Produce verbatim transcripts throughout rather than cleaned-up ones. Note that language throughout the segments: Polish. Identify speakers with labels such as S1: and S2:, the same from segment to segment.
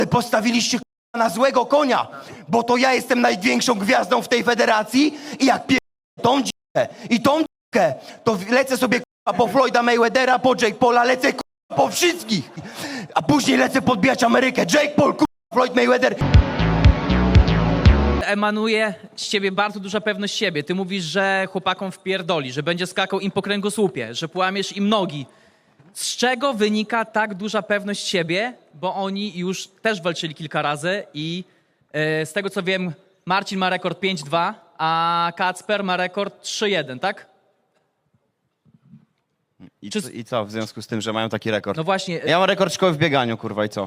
S1: postawiliście k***a, na złego konia, bo to ja jestem największą gwiazdą w tej federacji i jak pier... tą dzikę i tą dzikę, to lecę sobie k***a, po Floyda Mayweathera, po Jake Paula, lecę k***a, po wszystkich, a później lecę podbijać Amerykę. Jake Paul, k***a, Floyd Mayweather.
S2: Emanuje z ciebie bardzo duża pewność siebie. Ty mówisz, że chłopakom wpierdoli, że będzie skakał im po kręgosłupie, że połamiesz im nogi. Z czego wynika tak duża pewność siebie? Bo oni już też walczyli kilka razy i e, z tego co wiem, Marcin ma rekord pięć dwa, a Kacper ma rekord trzy jeden, tak?
S3: I,
S2: Czy-
S3: co, I co w związku z tym, że mają taki rekord?
S2: No właśnie.
S3: Ja mam rekord szkoły w bieganiu, kurwa, i co?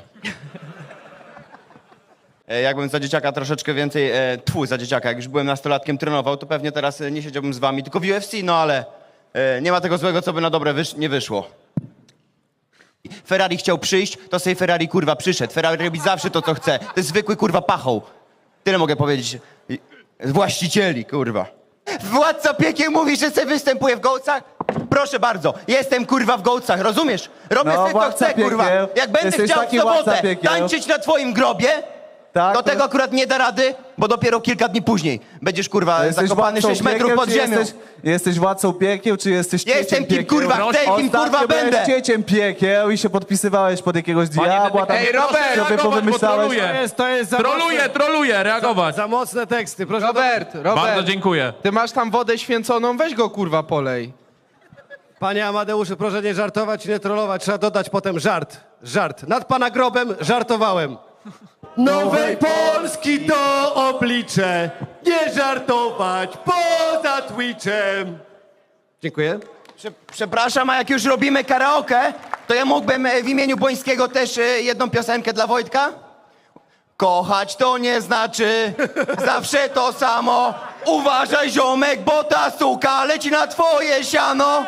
S3: E, Jakbym za dzieciaka troszeczkę więcej, e, tfu, za dzieciaka, jak już byłem nastolatkiem, trenował, to pewnie teraz e, nie siedziałbym z wami, tylko w U F C, no ale e, nie ma tego złego, co by na dobre wysz nie wyszło. Ferrari chciał przyjść, to sobie Ferrari, kurwa, przyszedł. Ferrari robi zawsze to, co chce. To jest zwykły, kurwa, pachoł. Tyle mogę powiedzieć. I- Właścicieli, kurwa. Władca piekieł mówi, że sobie występuje w gołcach? Proszę bardzo, jestem, kurwa, w gołcach, rozumiesz? Robię
S4: No,
S3: sobie, co
S4: władca
S3: chcę, kurwa.
S4: piekieł.
S3: Jak będę
S4: Jesteś
S3: chciał w
S4: taki władca
S3: sobotę
S4: piekieł.
S3: tańczyć na twoim grobie,
S4: Tak,
S3: to
S4: to-
S3: tego akurat nie da rady, bo dopiero kilka dni później będziesz, kurwa,
S4: Jesteś
S3: zakopany
S4: władcą
S3: sześć metrów
S4: piekieł,
S3: pod
S4: czy
S3: ziemią.
S4: Jesteś, jesteś władcą piekieł, czy jesteś cieciem
S3: Jestem kim,
S4: piekieł?
S3: kurwa, chcę, kim,
S4: Ostatnio
S3: kurwa,
S4: byłeś
S3: będę.
S4: cieciem piekieł i się podpisywałeś pod jakiegoś diabła. Tam
S5: Ej, Robert,
S4: sobie
S5: reagować, bo
S4: powymyślałeś.
S5: troluje.
S6: To jest, to jest za
S5: Troluje,
S6: mocne,
S5: troluje, reagować.
S6: za mocne teksty. Proszę
S7: Robert, Robert,
S5: Bardzo dziękuję.
S7: ty masz tam wodę święconą, weź go kurwa polej.
S6: Panie Amadeuszu, proszę nie żartować i nie trollować. Trzeba dodać potem żart. Żart. Nad pana grobem żartowałem. Nowej Polski to oblicze. Nie żartować poza Twitchem. Dziękuję.
S3: Prze- Przepraszam, a jak już robimy karaoke, to ja mógłbym e, w imieniu Błońskiego też e, jedną piosenkę dla Wojtka? Kochać to nie znaczy zawsze to samo. Uważaj, ziomek, bo ta suka leci na twoje siano.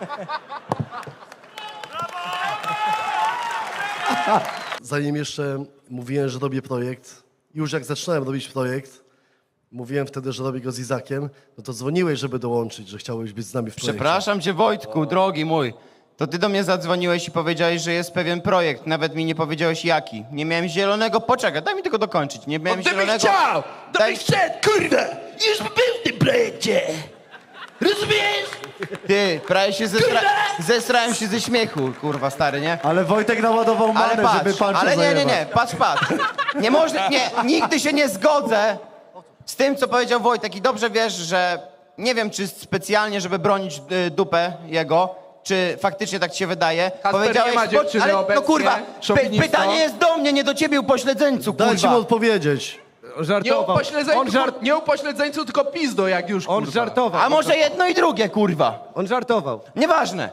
S8: Zanim jeszcze mówiłem, że robię projekt, już jak zaczynałem robić projekt, mówiłem wtedy, że robię go z Izakiem, no to dzwoniłeś, żeby dołączyć, że chciałeś być z nami w projekcie.
S3: Przepraszam cię, Wojtku, drogi mój. To ty do mnie zadzwoniłeś i powiedziałeś, że jest pewien projekt. Nawet mi nie powiedziałeś jaki. Nie miałem zielonego... Poczekaj, daj mi tylko dokończyć. Nie miałem
S1: Gdybyś
S3: zielonego...
S1: chciał, to
S3: Daj-
S1: byś wszedł, kurwa, już by był w tym projekcie. Rozumiesz?
S3: Ty, prawie się zestra... zesrałem się ze śmiechu, kurwa, stary, nie?
S4: Ale Wojtek naładował manę,
S3: Ale patrz,
S4: żeby pan
S3: ale nie, nie, nie, patrz, patrz. Nie można, nie, nigdy się nie zgodzę z tym, co powiedział Wojtek i dobrze wiesz, że nie wiem, czy specjalnie, żeby bronić y, dupę jego, czy faktycznie tak ci się wydaje.
S7: nie ma dziewczyny
S3: ale, no
S7: obecnie,
S3: kurwa, py,
S7: szowinisto.
S3: pytanie jest do mnie, nie do ciebie, upośledzeńcu,
S8: Dajcie mi
S3: kurwa.
S8: odpowiedzieć.
S7: Nie
S6: Żartował.
S7: upośledzeńcu,
S6: On, żart...
S7: nie upośledzeńcu, tylko pizdo jak już
S6: On
S7: kurwa.
S6: żartował.
S3: A może jedno i drugie, kurwa.
S6: On żartował.
S3: Nieważne.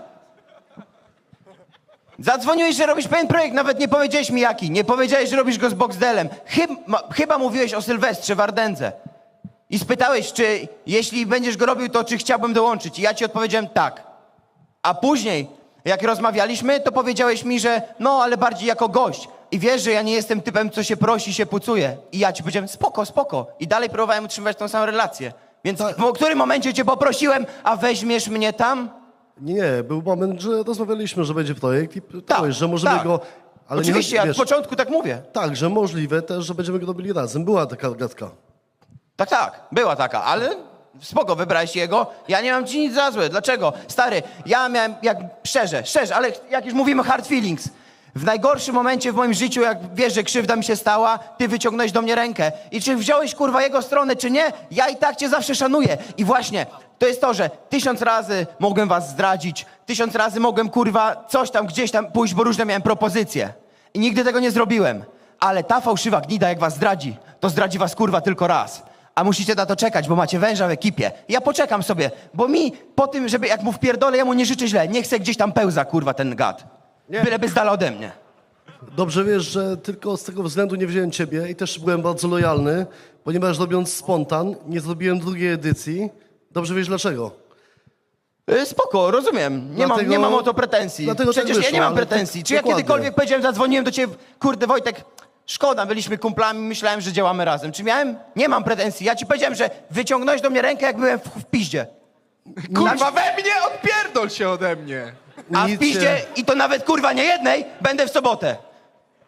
S3: Zadzwoniłeś, że robisz pewien projekt, nawet nie powiedziałeś mi jaki. Nie powiedziałeś, że robisz go z Boxdelem. Chyba, chyba mówiłeś o Sylwestrze w Ardence. I spytałeś, czy jeśli będziesz go robił, to czy chciałbym dołączyć. I ja ci odpowiedziałem tak. A później, jak rozmawialiśmy, to powiedziałeś mi, że no, ale bardziej jako gość. I wiesz, że ja nie jestem typem, co się prosi, się pucuje. I ja ci powiedziałem, spoko, spoko. I dalej próbowałem utrzymywać tą samą relację. Więc w którym momencie cię poprosiłem, a weźmiesz mnie tam?
S8: Nie, nie, był moment, że rozmawialiśmy, że będzie projekt i pytałeś, że możemy
S3: tak.
S8: go... Ale
S3: Oczywiście,
S8: nie,
S3: ja
S8: wiesz,
S3: od początku tak mówię.
S8: tak, że możliwe też, że będziemy go robili razem. Była taka gadka.
S3: Tak, tak, była taka, ale spoko, wybrałeś jego, ja nie mam ci nic za złe. Dlaczego? Stary, ja miałem, jak szczerze, szczerze, ale jak już mówimy hard feelings, w najgorszym momencie w moim życiu, jak wiesz, że krzywda mi się stała, ty wyciągnąłeś do mnie rękę. I czy wziąłeś, kurwa, jego stronę, czy nie, ja i tak cię zawsze szanuję. I właśnie, to jest to, że tysiąc razy mogłem was zdradzić, tysiąc razy mogłem, kurwa, coś tam, gdzieś tam pójść, bo różne miałem propozycje. I nigdy tego nie zrobiłem. Ale ta fałszywa gnida, jak was zdradzi, to zdradzi was, kurwa, tylko raz. A musicie na to czekać, bo macie węża w ekipie. Ja poczekam sobie, bo mi po tym, żeby jak mu wpierdolę, ja mu nie życzę źle. Nie chcę gdzieś tam pełza, kurwa, ten gad. Byleby z dala ode mnie.
S8: Dobrze wiesz, że tylko z tego względu nie wziąłem ciebie i też byłem bardzo lojalny, ponieważ robiąc spontan, nie zrobiłem drugiej edycji. Dobrze wiesz dlaczego.
S3: Y, Spoko, rozumiem. Nie, mam,
S8: Dlatego-
S3: nie mam o to pretensji.
S8: dlatego tak
S3: Przecież ja nie
S8: wyszło,
S3: mam
S8: ale
S3: pretensji.
S8: tak-
S3: Czy ja
S8: dokładnie.
S3: kiedykolwiek powiedziałem, zadzwoniłem do ciebie, kurde Wojtek, szkoda, byliśmy kumplami, myślałem, że działamy razem. Czy miałem? Nie mam pretensji. Ja ci powiedziałem, że wyciągnąłeś do mnie rękę, jak byłem w, w piździe.
S7: Kurwa, we mnie odpierdol się ode mnie.
S3: A w
S8: Nic
S3: piździe,
S8: się-
S3: i to nawet kurwa nie jednej, będę w sobotę.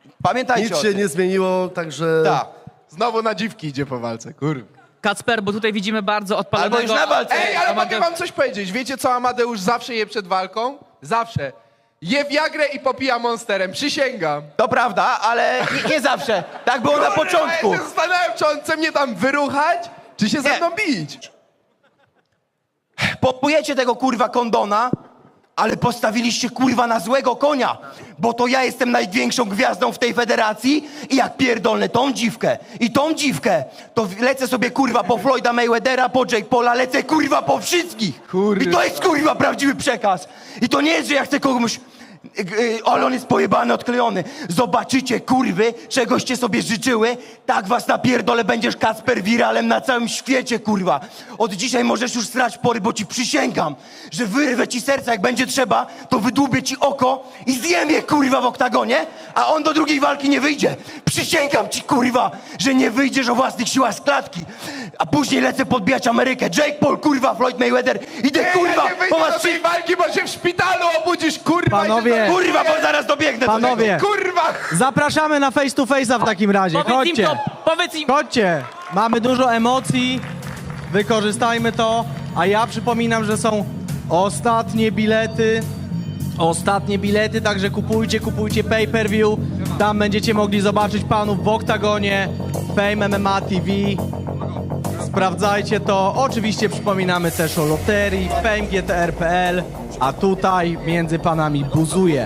S3: Pamiętajcie
S8: Nic
S3: o
S8: się
S3: tym.
S8: nie zmieniło, także...
S7: Tak. Znowu na dziwki idzie po walce, kurwa.
S2: Kacper, bo tutaj widzimy bardzo odpalonego...
S3: Albo już na walce.
S7: Ej, ale
S2: Amade-
S7: mogę wam coś powiedzieć. Wiecie, co Amadeusz zawsze je przed walką? Zawsze. Je Viagrę i popija Monsterem. Przysięgam.
S3: To prawda, ale nie, nie zawsze. Tak było na
S7: Kurwa,
S3: początku.
S7: Ja się zastanawiam, czy on chce mnie tam wyruchać, czy się ze
S3: Nie.
S7: mną bić.
S3: Popujecie tego kurwa kondona, ale postawiliście kurwa na złego konia, bo to ja jestem największą gwiazdą w tej federacji i jak pierdolę tą dziwkę i tą dziwkę, to w- lecę sobie kurwa po Floyda Mayweathera, po Jake Paula, lecę kurwa po wszystkich.
S7: Kurwa.
S3: I to jest kurwa prawdziwy przekaz. I to nie jest, że ja chcę komuś... Yy, ale on jest pojebany, odklejony. Zobaczycie, kurwy, czegoście sobie życzyły, tak was napierdolę, będziesz Kacper wiralem na całym świecie, kurwa. Od dzisiaj możesz już strać pory, bo ci przysięgam, że wyrwę ci serca, jak będzie trzeba, to wydłubię ci oko i zjem je, kurwa, w oktagonie, a on do drugiej walki nie wyjdzie. Przysięgam ci, kurwa, że nie wyjdziesz o własnych siłach z klatki. A później lecę podbijać Amerykę. Jake Paul, kurwa, Floyd Mayweather. Idę,
S7: Ej,
S3: kurwa,
S7: ja nie
S3: po
S7: wyjdę
S3: was
S7: do tej walki, bo się w szpitalu obudzisz, kurwa. i
S5: Panowie.
S7: się
S3: Kurwa, bo zaraz dobiegnę do
S5: Panowie.
S3: tego.
S7: Kurwa!
S5: Zapraszamy na face to face'a w takim razie.
S2: Powiedz im
S5: Chodźcie.
S2: to, powiedz im...
S5: Chodźcie. Mamy dużo emocji. Wykorzystajmy to. A ja przypominam, że są ostatnie bilety. Ostatnie bilety, także kupujcie, kupujcie pay-per-view. Tam będziecie mogli zobaczyć panów w oktagonie. Fame M M A T V. Sprawdzajcie to. Oczywiście przypominamy też o loterii Fame G T R kropka P L. A tutaj między panami buzuje.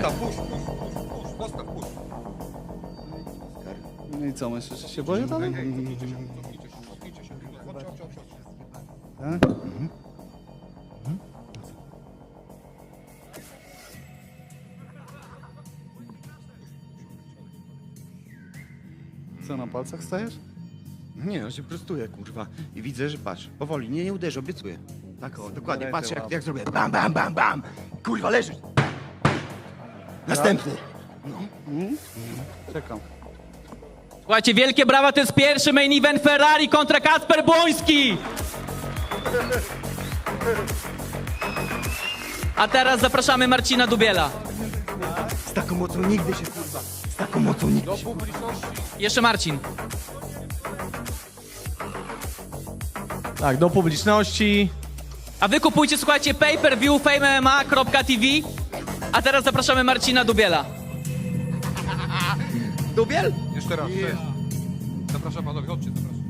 S9: No i co, myślisz, że się boję dalej? Tak? Co, na palcach stajesz?
S1: Nie, no się prostuję, kurwa. I widzę, że patrz, powoli, nie, nie uderzę, obiecuję. Tak o, dokładnie, patrz jak, jak zrobię. Bam, bam, bam, bam. Kurwa, leżysz. Następny.
S9: Czekam.
S2: Słuchajcie, wielkie brawa, to jest pierwszy main event Ferrari kontra Kacper Błoński. A teraz zapraszamy Marcina Dubiela.
S1: Z taką mocą nigdy się, kurwa. Z taką mocą nigdy się, kurwa.
S2: Jeszcze Marcin.
S5: Tak, do publiczności.
S2: A wy kupujcie, słuchajcie, pay-per-view fame M M A kropka T V. A teraz zapraszamy Marcina Dubiela.
S3: Dubiel?
S10: Jeszcze raz, cześć. Zapraszam panowie, chodźcie, zapraszam.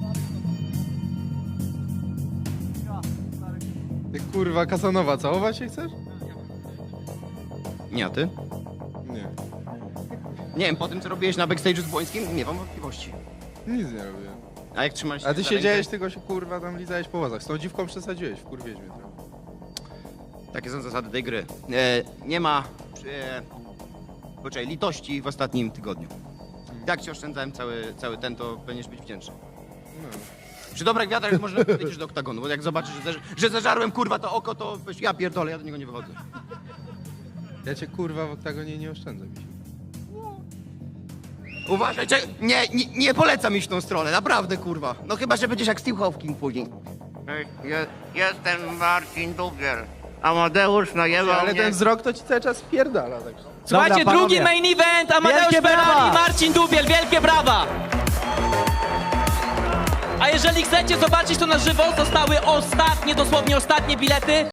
S7: Ty kurwa, Kasanowa, całować się chcesz?
S1: Nie, a ty?
S7: Nie.
S1: Nie wiem, po tym co robiłeś na backstage'u z Błońskim, nie mam wątpliwości.
S7: Nic nie robię.
S1: A jak trzymaliście
S7: A ty
S1: za
S7: siedziałeś,
S1: rękę?
S7: tylko się kurwa tam lizałeś po łazach. Z tą dziwką przesadziłeś, wkurwiłeś mnie trochę.
S1: Takie są zasady tej gry. E, nie ma e, poczekaj, litości w ostatnim tygodniu. Jak ci oszczędzałem cały, cały ten, to będziesz być wdzięczny. Przy dobrych wiatrach może wyjdziesz do oktagonu, bo jak zobaczysz, że, zeż- że zeżarłem kurwa to oko, to weź, ja pierdolę, ja do niego nie wychodzę.
S7: Ja cię kurwa w oktagonie nie oszczędzę mi się.
S1: Uważaj, cze- nie, nie, nie polecam iść w tą stronę, naprawdę kurwa. No chyba, że będziesz jak Steve Hawking później.
S11: Je, jestem Marcin Dubiel. Amadeusz najebał
S7: Ale
S11: mnie.
S7: ten wzrok to ci cały czas spierdala, także.
S2: Słuchajcie,
S5: Dobra,
S2: drugi
S5: panowie.
S2: main event, Amadeusz
S5: Wielkie
S2: Ferrari,
S5: brawa!
S2: Marcin Dubiel, wielkie brawa! A jeżeli chcecie zobaczyć to na żywo, zostały ostatnie, dosłownie ostatnie bilety.